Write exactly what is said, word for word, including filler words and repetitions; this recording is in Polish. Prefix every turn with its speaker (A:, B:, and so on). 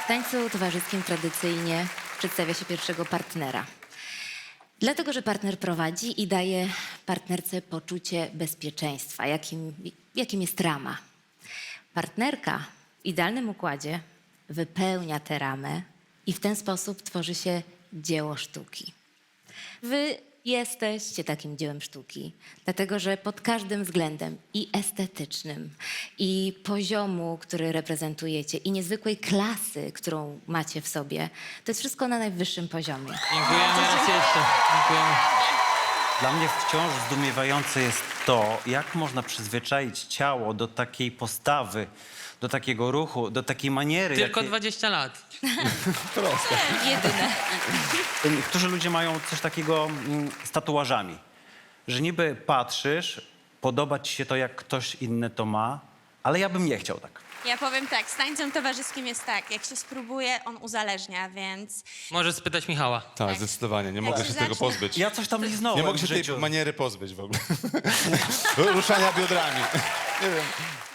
A: W tańcu towarzyskim tradycyjnie przedstawia się pierwszego partnera. Dlatego, że partner prowadzi i daje partnerce poczucie bezpieczeństwa, jakim, jakim jest rama. Partnerka w idealnym układzie wypełnia tę ramę i w ten sposób tworzy się dzieło sztuki. Wy jesteście takim dziełem sztuki, dlatego że pod każdym względem i estetycznym, i poziomu, który reprezentujecie, i niezwykłej klasy, którą macie w sobie, to jest wszystko na najwyższym poziomie.
B: Dziękujemy raz jeszcze. Dziękujemy.
C: Dla mnie wciąż zdumiewające jest to, jak można przyzwyczaić ciało do takiej postawy, do takiego ruchu, do takiej maniery.
B: Tylko
C: jakie...
B: dwadzieścia lat.
A: Jedyne.
C: Niektórzy ludzie mają coś takiego mm, z tatuażami, że niby patrzysz, podoba ci się to, jak ktoś inny to ma, ale ja bym nie chciał tak.
D: Ja powiem tak, z tańcem towarzyskim jest tak, jak się spróbuje, on uzależnia, więc
B: Możesz spytać Michała.
E: Tak, zdecydowanie. Nie mogę
D: się
E: się tego
D: zacznie-
E: pozbyć.
C: Ja coś tam liznąłem
E: Nie mogę się
C: w
E: tej
C: życiu.
E: maniery pozbyć w ogóle. Ruszania biodrami. Nie wiem.